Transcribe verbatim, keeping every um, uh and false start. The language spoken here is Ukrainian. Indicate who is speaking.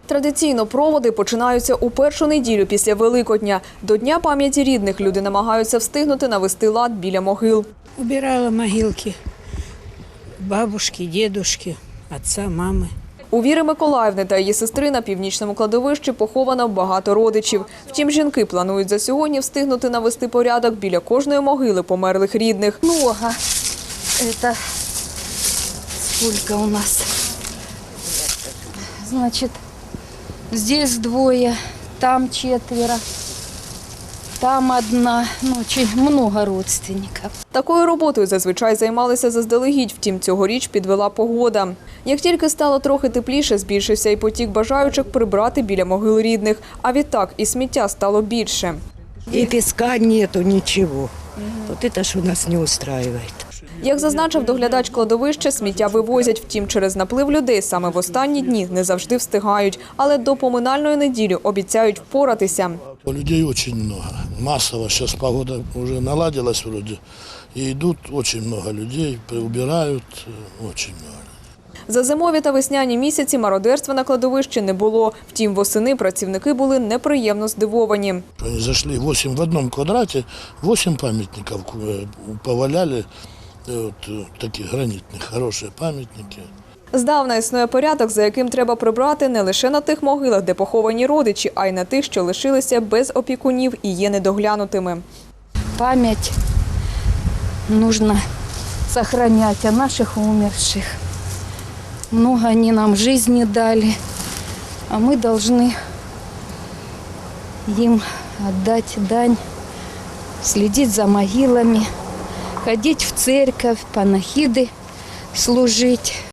Speaker 1: Традиційно проводи починаються у першу неділю після Великодня. До Дня пам'яті рідних люди намагаються встигнути навести лад біля могил.
Speaker 2: Убирала могилки бабушки, дедушки, отца, мами.
Speaker 1: У Віри Миколаївни та її сестри на північному кладовищі поховано багато родичів. Втім, жінки планують за сьогодні встигнути навести порядок біля кожної могили померлих рідних.
Speaker 3: Много. Это сколько у нас? Значит, здесь двое, там четверо, там одна. Ну, очень много родственников.
Speaker 1: Такою роботою зазвичай займалися заздалегідь, втім цьогоріч підвела погода. Як тільки стало трохи тепліше, збільшився і потік бажаючих прибрати біля могил рідних, а відтак і сміття стало більше.
Speaker 4: И песка нету, ничего. Вот это ж у нас не устраивает.
Speaker 1: Як зазначив доглядач кладовища, сміття вивозять, втім через наплив людей саме в останні дні не завжди встигають, але до поминальної неділі обіцяють впоратися.
Speaker 5: Людей очень много. Массово. Сейчас погода уже наладилась вроде. И идут очень много людей, убирают очень много.
Speaker 1: За зимові та весняні місяці мародерства на кладовищі не було. Втім, восени працівники були неприємно здивовані.
Speaker 5: Они зашли восемь в одном квадрате, восемь памятников поваляли, вот, таких гранитных, хорошие памятники.
Speaker 1: Здавна існує порядок, за яким треба прибрати не лише на тих могилах, де поховані родичі, а й на тих, що лишилися без опікунів і є недоглянутими.
Speaker 3: Память нужно сохранять о наших умерших. Много они нам жизни дали, а мы должны им отдать дань, следить за могилами, ходить в церковь, панахиды служить.